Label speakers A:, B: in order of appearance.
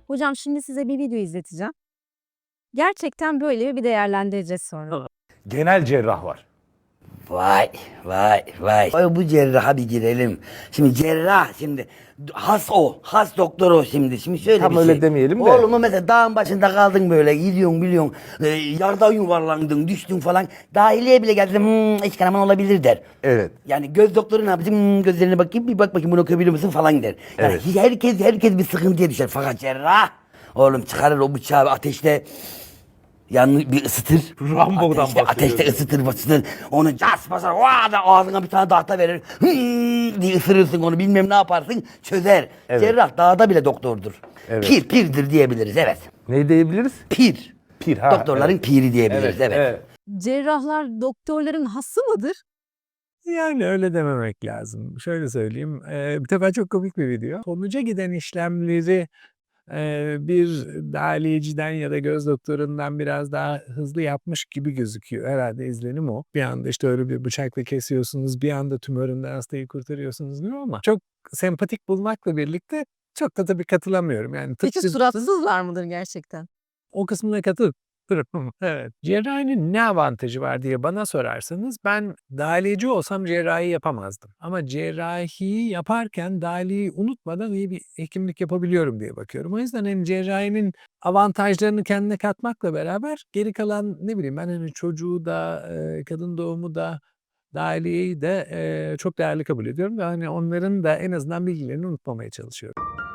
A: Hocam şimdi size bir video izleteceğim. Gerçekten böyle bir değerlendireceğiz sonra.
B: Genel cerrah var.
C: Vay vay vay. Ay, bu cerraha bir girelim. Şimdi cerrah şimdi has doktor o şimdi. Şimdi şöyle
B: Tam
C: bir
B: öyle
C: şey.
B: demeyelim de.
C: Oğlum mesela dağın başında kaldın böyle gidiyorsun biliyorsun. Yardan yuvarlandın düştün falan. Dahiliye bile gelse iç kanaman olabilir der.
B: Evet.
C: Yani göz doktoru ne yapacak? Gözlerine bakayım bir bak bakayım bunu okuyabiliyor musun falan der. Yani
B: Evet.
C: herkes bir sıkıntıya düşer. Fakat cerrah oğlum çıkarır o bıçağı ateşte yanını bir ısıtır.
B: Rambo'dan bahsediyoruz.
C: Ateşte ısıtır. Onu cas basar. Vaa da ağzına bir tane tahta verir. Diye ısırırsın onu bilmem ne yaparsın. Çözer.
B: Evet.
C: Cerrah dağda bile doktordur.
B: Evet.
C: Pirdir diyebiliriz evet.
B: Ne diyebiliriz?
C: Pir.
B: Pir, ha,
C: Doktorların
B: evet.
C: piri diyebiliriz evet.
A: Cerrahlar doktorların hası mıdır?
D: Yani öyle dememek lazım. Şöyle söyleyeyim, bir defa çok komik bir video. Sonuca giden işlemleri, bir dahiliyeciden ya da göz doktorundan biraz daha hızlı yapmış gibi gözüküyor. Herhâlde izlenim o. Bir anda, işte, öyle bir bıçakla kesiyorsunuz, bir anda tümöründen hastayı kurtarıyorsunuz gibi ama çok sempatik bulmakla birlikte çok da tabii katılamıyorum. Yani
A: Peki
D: tıpkı
A: suratsızlar mıdır gerçekten?
D: o kısmına katılıyorum. Evet. Cerrahinin ne avantajı var diye bana sorarsanız ben dahiliyeci olsam cerrahi yapamazdım. Ama cerrahiyi yaparken dahiliyeyi unutmadan iyi bir hekimlik yapabiliyorum diye bakıyorum. O yüzden hani cerrahinin avantajlarını kendine katmakla beraber geri kalan ne bileyim ben hani çocuğu da kadın doğumu da dahiliyeyi de çok değerli kabul ediyorum ve hani onların da en azından bilgilerini unutmamaya çalışıyorum.